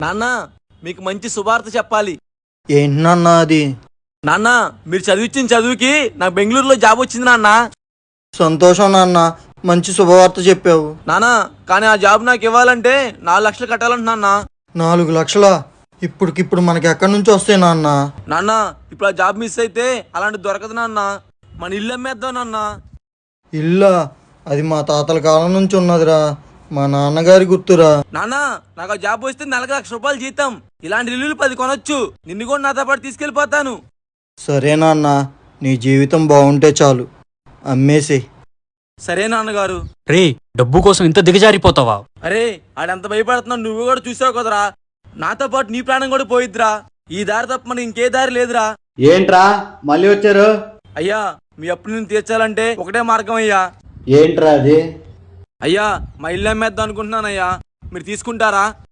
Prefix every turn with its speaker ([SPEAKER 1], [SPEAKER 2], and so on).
[SPEAKER 1] నాన్న మీకు మంచి శుభార్త చెప్పాలి.
[SPEAKER 2] ఏంటి నాన్న అది?
[SPEAKER 1] నాన్న మీరు చదివించిన చదువుకి నాకు బెంగళూరులో జాబ్ వచ్చింది నాన్న.
[SPEAKER 2] సంతోషం నాన్న, మంచి శుభవార్త చెప్పావు.
[SPEAKER 1] నాన్న కానీ ఆ జాబ్ నాకు ఇవ్వాలంటే 4 లక్షలు కట్టాలంటున్నా.
[SPEAKER 2] 4 లక్షలా? ఇప్పటికిప్పుడు మనకి ఎక్కడి నుంచి వస్తాయి నాన్న?
[SPEAKER 1] నాన్న ఇప్పుడు ఆ జాబ్ మిస్ అయితే అలాంటి దొరకదు నాన్న. మన ఇల్లు అమ్మేద్దాం నాన్న.
[SPEAKER 2] ఇల్లా? అది మా తాతల కాలం నుంచి ఉన్నదిరా, మా నాన్నగారి గుర్తురా.
[SPEAKER 1] నాన్న నాకు ఆ జాబ్ వస్తే నెలకు 1,00,000 రూపాయలు జీతం. ఇలాంటి ఇల్లులు 10 కొనొచ్చు. నిన్ను కూడా నాతో పాటు తీసుకెళ్ళిపోతాను.
[SPEAKER 2] సరే నాన్న, నీ జీవితం బాగుంటే చాలు, అమ్మేసి.
[SPEAKER 1] సరే నాన్నగారు.
[SPEAKER 3] రే, డబ్బు కోసం ఇంత దిగజారిపోతావా?
[SPEAKER 1] అరే ఆడెంత భయపడుతున్నావు నువ్వు కూడా చూసావు కదరా. నాతో పాటు నీ ప్రాణం కూడా పోయిద్దిరా. ఈ దారి తప్ప మనకి ఇంకే దారి లేదురా.
[SPEAKER 2] ఏంట్రా మళ్ళీ వచ్చారు?
[SPEAKER 1] అయ్యా మీ అప్పులు నేను తీర్చాలంటే ఒకటే మార్గం అయ్యా.
[SPEAKER 2] ఏంట్రా అది?
[SPEAKER 1] అయ్యా మా ఇల్లు అమ్మేద్దాం అనుకుంటున్నానయ్యా, మీరు తీసుకుంటారా?